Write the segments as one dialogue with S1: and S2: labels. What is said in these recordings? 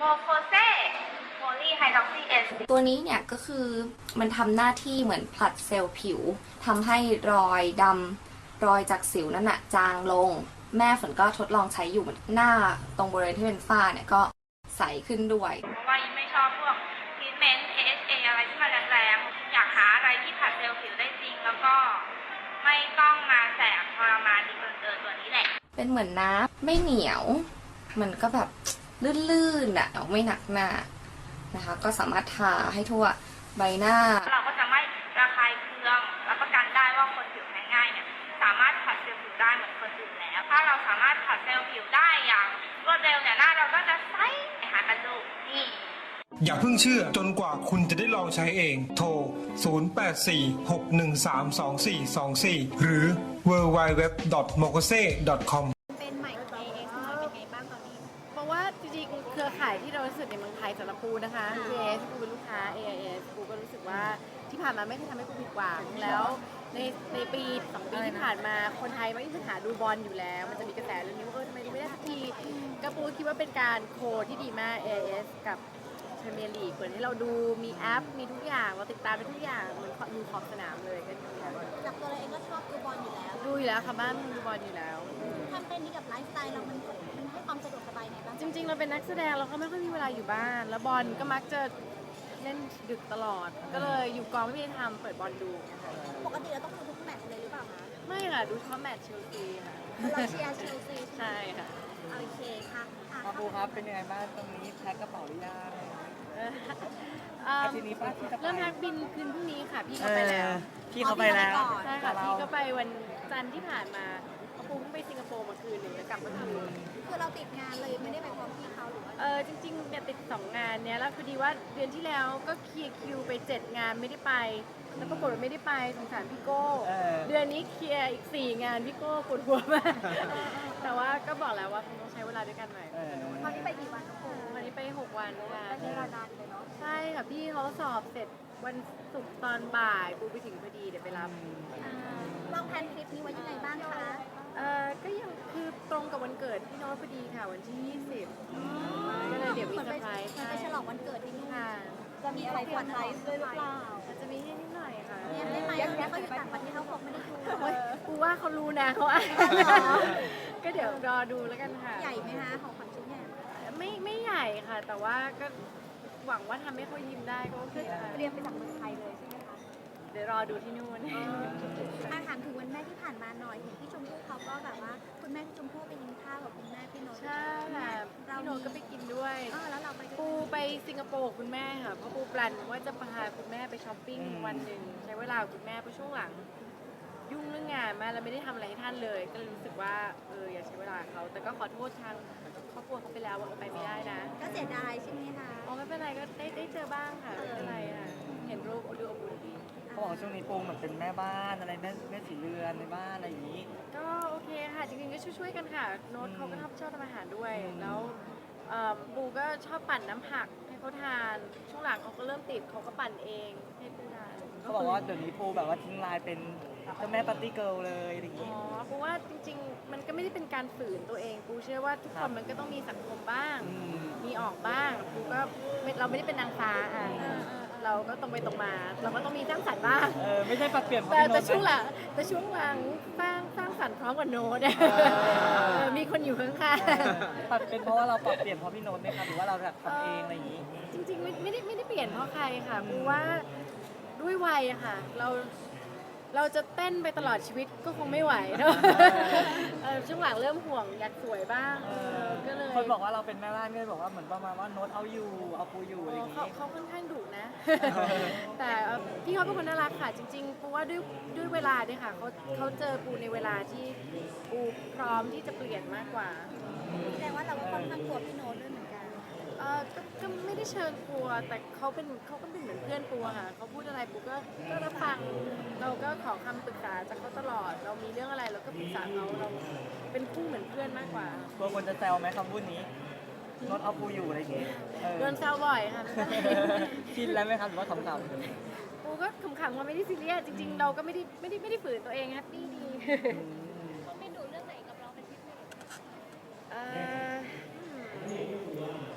S1: โมโคเซโพลีไฮดรอกซีเอส
S2: ตัวนี้เนี่ยก็คือมันทำหน้าที่เหมือนผลัดเซลล์ผิวทำให้รอยดำรอยจากสิวนั่นน่ะจางลงแม่ฝนก็ทดลองใช้อยู่หน้าตรงบริเวณที่เป็นฝ้าเนี่ยก็ใสขึ้นด้วย
S1: เพราะว่ายิ่งไม่ชอบพวกทรีทเมนต์ AHA อะไรที่มันแรงๆอยากหาอะไรที่ผลัดเซลล์ผิวได้จริงแล้วก็ไม่ต้องมาแสบทรมานดีเกินตัวนี้แหละ
S2: เป็นเหมือนน้ำไม่เหนียวมันก็แบบลื่นๆอ่ะไม่หนักหน้านะคะก็สามารถทาให้ทั่วใบหน้า
S1: เราก็จะไม่ระคายเคืองรับประกันได้ว่าคนผิวแพ้ง่ายเนี่ยสามารถผัดเซลล์ผิวได้เหมือนคนอื่นแล้วถ้าเราสามารถผัดเซลล์ผิวได้อย่างรวดเร็วเนี่ยหน้าเราก็จะใสหากันดูนี่
S3: อย่าเพิ่งเชื่อจนกว่าคุณจะได้ลองใช้เองโทร 0846132424 หรือ www.mokose.com
S4: เป็นใหม่ AS หน่อยเป็นไงบ้างตอนนี้เพราะว่าจริงๆเครือข่ายที่เรารู้สึกในเมืองไทยสำหรับปูนะคะ AS ปูเป็นลูกค้า AIS ปูก็รู้สึกว่าที่ผ่านมาไม่เคยทำให้ปูผิดหวังแล้วในปี2 ปีที่ผ่านมาคนไทยไม่มีปัญหาดูบอลอยู่แล้วมันจะมีกระแสเรื่องนี้ว่าทำไมดูไม่ได้สักทีก็ปูคิดว่าเป็นการโคที่ดีมาก AIS กับพรีเมียร์ลีกเปิดให้เราดูมีแอปมีทุกอย่างเราติดตามได้ทุกอย่างเหมือนดูขอบสนามเลยก็ดีค่ะ
S5: จากตัวเราเองก็ชอบดูบอลอยู่แล้ว
S4: ดูอยู่แล้วค่ะบ้านดูบอลอยู่แล้ว
S5: ทำเป็นนี้กับไลฟ์สไตล์เรามันให้ความสะดวกสบายไงบ้าง
S4: จริงๆเราเป็นนักแสดงเราก็ไม่ค่อยมีเวลาอยู่บ้านแล้วบอลก็มักจะเล่นดึกตลอดก็เลยอยู่กองไม่ได้ทำเปิดบอลดู
S5: ปกติเราต้องดูทุกแมตช์เลยหรือเปล่าคะ
S4: ไม่ค่ะดูเฉพาะแมตช์เชลซีค่ะ
S5: เราเชียร์เชลซี
S4: ใช่ค่ะ
S5: โอเคค่ะ
S6: มาปูครับเป็นยังไงบ้างตรงนี้แพ็คกระเป๋าหรือยังทีนี้ป้าที่จะไป
S4: เริ่มแพ็คบินคืนพรุ่งนี้ค่ะพี่เขาไปแล้ว
S6: พี่เขาไปแล้ว
S4: ใช่ค่ะพี่ก็ไปวันจันทร์ที่ผ่านมาเขาปูเพิ่งไปสิงคโปร์มาคืนหนึ่งแล้วกลับมาคืน
S5: คือเราติดงานเลยไม่ได้ไปพร้อมพี่เขาหรือว่า
S4: จริงๆเนี่ยติด2 งานเนี้ยแล้วพอดีว่าเดือนที่แล้วก็เคลียร์คิวไป7 งานไม่ได้ไปแล้วปรากฏว่าไม่ได้ไปสงสารพี่โก้เดือนนี้เคลียร์อีก4 งานพี่โก้ปวดหัวมากแต่ว่าก็บอกแล้วว่าคงต้องใช้เวลาด้วยกันหน่อย
S5: ตอนนี้ไปกี่วันน้องปู
S4: วันนี้ไป6 วันค่ะ
S5: ใช้เวลานานเลยเนาะ
S4: ใช่ค่ะพี่เขาสอบเสร็จวันศุกร์ตอนบ่ายปูไปถึงพอดีเดี๋ยวไปรับ
S5: วางแผนทริปนี้ไว้ยังไงบ้างคะ
S4: ก็ยังคือตรงกับวันเกิดพี่โน้ตพอดีค่ะวันที่20ก็เลยเดี๋ยวมีเซอร์ไพรส์
S5: ไปฉลองวันเกิดที่นู่น
S4: ค่ะ
S5: จะมีอะไรเซอร์ไพรส์ด้วยหรือเปล่า
S4: อาจจะมีให้นิดหน่อยค่ะ
S5: เนี่ยได้ไหมเขาอยู่ต่างประเทศเขาคงไม่ได้ดู
S4: ปูว่าเขารู้นะเขาก็เดี๋ยวรอดูแล้วกันค่ะ
S5: ใหญ่ไหมคะของขวัญชิ้นใหญ่
S4: ไม่ใหญ่ค่ะแต่ว่าก็หวังว่าทำให้เขายิ้มได้ก็โอเค
S5: เตรียมไปจากเมืองไทยเลยใช่ไหมคะ
S4: เดี๋ยวรอดูที่นู่น
S5: ถามถึงวันแม่ที่ผ่านมาหน่อยเห็นพี่ชมพู่เขาก็แบบว่าคุณแม่พี่ชมพู่ไปกินข้าวกับคุณแม่พี่โน้ต
S4: ใช่ค่ะพี่โน้ตก็ไปกินด้วย
S5: แล้วเราไป
S4: ปูไปสิงคโปร์คุณแม่ค่ะเพราะปูแปลนว่าจะพาคุณแม่ไปช้อปปิ้งวันหนึ่งใช้เวลากับคุณแม่เพราะช่วงหลังยุ่งเรื่องงานมาแล้วไม่ได้ทำอะไรให้ท่านเลยก็เลยรู้สึกว่าอยากใช้เวลาเขาแต่ก็ขอโทษทางครอบครัวเขาไปแล้วว่าไปไม่ได้นะ
S5: ก็เสียดายใช่ไหมคะ
S4: ไม่เป็นไรก็ได้เจอบ้างค่ะไม่เป็นไรค่ะเห็นรูปดูอบอุ่นดี
S6: เขาบอกช่วงนี้ปูเหมือนเป็นแม่บ้านอะไรแม่สีเรือนในบ้านอะไรอย่างนี้
S4: ก็โอเคค่ะจริงๆก็ช่วยๆกันค่ะโน้ตเขาก็ชอบทำอาหารด้วยแล้วปูก็ชอบปั่นน้ำผักให้เขาทานช่วงหลังเขาก็เริ่มติดเขาก็ปั่นเองให้ปูทาน
S6: เขาบอกว่าเดี๋ยวนี้ปูแบบว่าทิ้งลายเป็นเจ้าแม่ปาร์ตี้เกิร์ลเลยอย่างนี้
S4: ปูว่าจริงๆมันก็ไม่ได้เป็นการฝืนตัวเองปูเชื่อว่าทุกคนมันก็ต้องมีสังคมบ้างมีออกบ้างปูก็เราไม่ได้เป็นนางฟ้าเราก็ตรงไปตรงมาเราก็ต้องมีสร้างสรรค์บ้าง
S6: ไม่ใช่ปรับเปลี่ยน
S4: แต่ช่วงหลังสร้างสรรค์พร้อมกับโน้ตมีคนอยู่ข้าง
S6: ๆปรับเป็นเพราะว่าเราปรับเปลี่ยนเพราะพี่โน้ตไหมคะหรือว่าเราแบบทำเองอะไรอย่างนี้
S4: จริงๆไม่ได้เปลี่ยนเพราะใครค่ะปูว่าด้วยวัยอะค่ะเราจะเต้นไปตลอดชีวิตก็คงไม่ไหวเนอะช่วงหลังเริ่มห่วงอยากสวยบ้างก็เลย
S6: คนบอกว่าเราเป็นแม่บ้านก็เลยบอกว่าเหมือนประมาณว่าโน้ตเอาอยู่เอาปูอยู่อะไรอย่างนี้
S4: เขาค่อนข้างดุนะแต่พี่เขาเป็นคนน่ารักค่ะจริงๆปูว่าด้วยเวลาด้วยค่ะเขาเจอปูในเวลาที่ปูพร้อมที่จะเปลี่ยนมากกว่า
S5: แสดงว่าเราก็ค่อนข้างกลัวพี่โน้ตด้วยเหมือนกัน
S4: ก็ไม่ได้เชิญกลัวแต่เขาก็เป็นเหมือนเพื่อนปูค่ะเขาพูดอะไรปูก็รับฟังเราก็ขอคำปรึกษาจากเขาตลอดเรามีเรื่องอะไรเราก็ปรึกษาเราเป็นคู่เหมือนเพื่อนมากกว่า
S6: ตัวคนจะแซวไหมคำพูดนี้โน้ตเอาปูอยู่อะไรอย่างเงี้ย
S4: โดนแซวบ่อยค่ะ
S6: ชินแล้วไหมคะหรือว่าขำ
S4: ๆปูก็ขำๆว่าไม่ได้ซีเรียสจริงๆเราก็ไม่ได้ฝืนตัวเองแฮปปี้ดี
S5: เขาไม่ดุเรื่องไหนกับเราเป็นพิเศษ
S4: เมื่อก่อน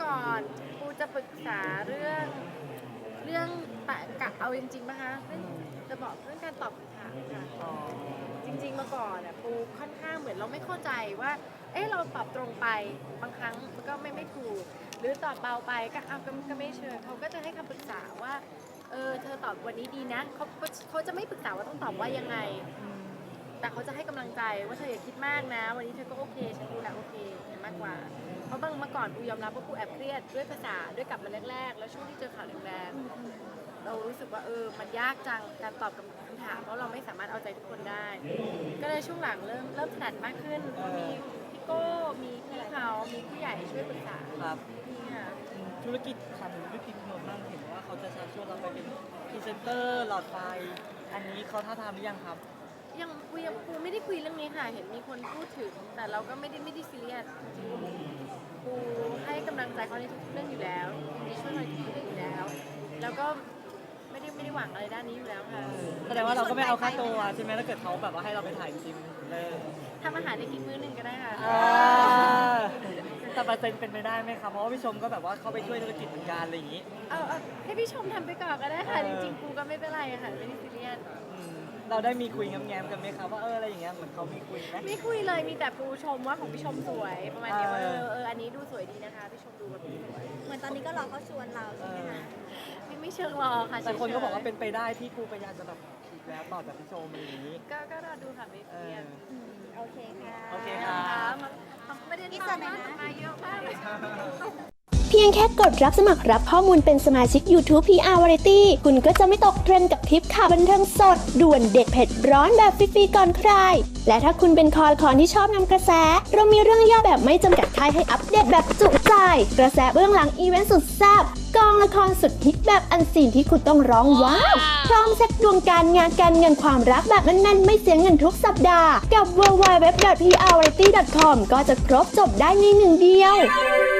S4: ก่อนปูจะปรึกษาเรื่องปะกะเอาจริงๆนะคะจะบอกเรื่องการตอบคำถามค่ะจริงๆเมื่อก่อนปูค่อนข้างเหมือนเราไม่เข้าใจว่าเราตอบตรงไปบางครั้งมันก็ไม่ถูกหรือตอบเบาไปก็ไม่เชิญเขาก็จะให้คำปรึกษาว่าเธอตอบวันนี้ดีนะเขาจะไม่ปรึกษาว่าต้องตอบว่ายังไงแต่เขาจะให้กำลังใจว่าเธออย่าคิดมากนะวันนี้เธอก็โอเคฉันดูแลโอเคมากกว่าเพราะเมื่อก่อนปูยอมรับว่าปูแอบเครียดด้วยภาษาด้วยกลับมาแรกๆแล้วช่วงที่เจอข่าวแรงๆเรารู้สึกว่ามันยากจังการตอบคำถามเพราะเราไม่สามารถเอาใจทุกคนได้ ก็เลยช่วงหลังเริ่มถนัดมากขึ้นมีพี่โก้มีพี่เขามีผู้ใหญ่ช่วยปรึกษา
S6: ครับ
S4: นี่ค่ะ
S6: ธุรกิจทำธุรกิจนมบ้างเห็นว่าเขาจะชวนเราไปเป็นพรีเซนเตอร์หลอดไฟอันนี้เขาท้าทามหรือยังครับ
S4: ยังปูไม่ได้คุยเรื่องนี้ค่ะเห็นมีคนพูดถึงแต่เราก็ไม่ได้ซีเรียสปูให้กำลังใจเขาในทุกเรื่องอยู่แล้วมีช่วยเขาในทุกเรื่องอยู่แล้วแล้วก็ไม่ได้หวังอะไรด้านนี้อยู่แล้วค่ะ
S6: แสดงว่าเราก็ไม่เอาค่าตัวใช่ไหมถ้าเกิดเขาแบบว่าให้เราไปถ่ายจริงเลย
S4: ทำอาหารได้กินมื้อหนึ่งก็ได้ค่ะ
S6: แต่เปอร์เซ็นต์เป็นไปได้ไหมครับเพราะว่าพี่ชมก็แบบว่าเขาไปช่วยธุรกิจเหมือนกันอะไรอย่างนี้
S4: เอาให้พี่ชมทำไปก่อนก็ได้ค่ะจริงๆปูก็ไม่เป็นไรค่ะไม่ได้ซีเรียส
S6: เราได้มีคุยแง้มๆกันไหมครับว่าอะไรอย่างเงี้ยเหมือนเขามีคุยไหม
S4: ไม่คุยเลยมีแต่ปูชมว่าของพี่ชมสวยประมาณนี้ว่าอันนี้ดูสวยดีนะคะพี่ชมดูแบบสวย
S5: เหมือนตอนนี้ก็รอเขาชวนเราใช่ไหมคะ
S4: ไม่เชิงรอค่ะ
S6: แต่คนก็บอกว่าเป็นไปได้ที่ครูปยาจะแบบอีกแล้วต่อจากพี่ชมอย่างนี้
S4: ก็รอดูค่ะไม่ซีเรียส
S5: โอเคค่ะ
S6: โอเคครับ
S4: มันไม่ได้
S5: อีกส่วนไหนนะ
S4: มาเยอะมากเลย
S7: เพียงแค่กดรับสมัครรับข้อมูลเป็นสมาชิก YouTube PR Variety คุณก็จะไม่ตกเทรนด์กับทริปข่าวบันเทิงสด ด่วนเด็ดเผ็ดร้อนแบบฟรีๆก่อนใคร และถ้าคุณเป็นคอละคอนที่ชอบนำกระแส เรามีเรื่องย่อแบบไม่จำกัดค่ายให้อัปเดตแบบจุใจ กระแสเบื้องหลังอีเวนต์สุดแซ่บกองละครสุดฮิตแบบอันซีนที่คุณต้องร้องว้าวพร้อมเซ็ตดวงการงานการเงินความรักแบบแน่นๆไม่เสียเงินทุกสัปดาห์กับ www.prvariety.com ก็จะครบจบได้ในหนึ่งเดียว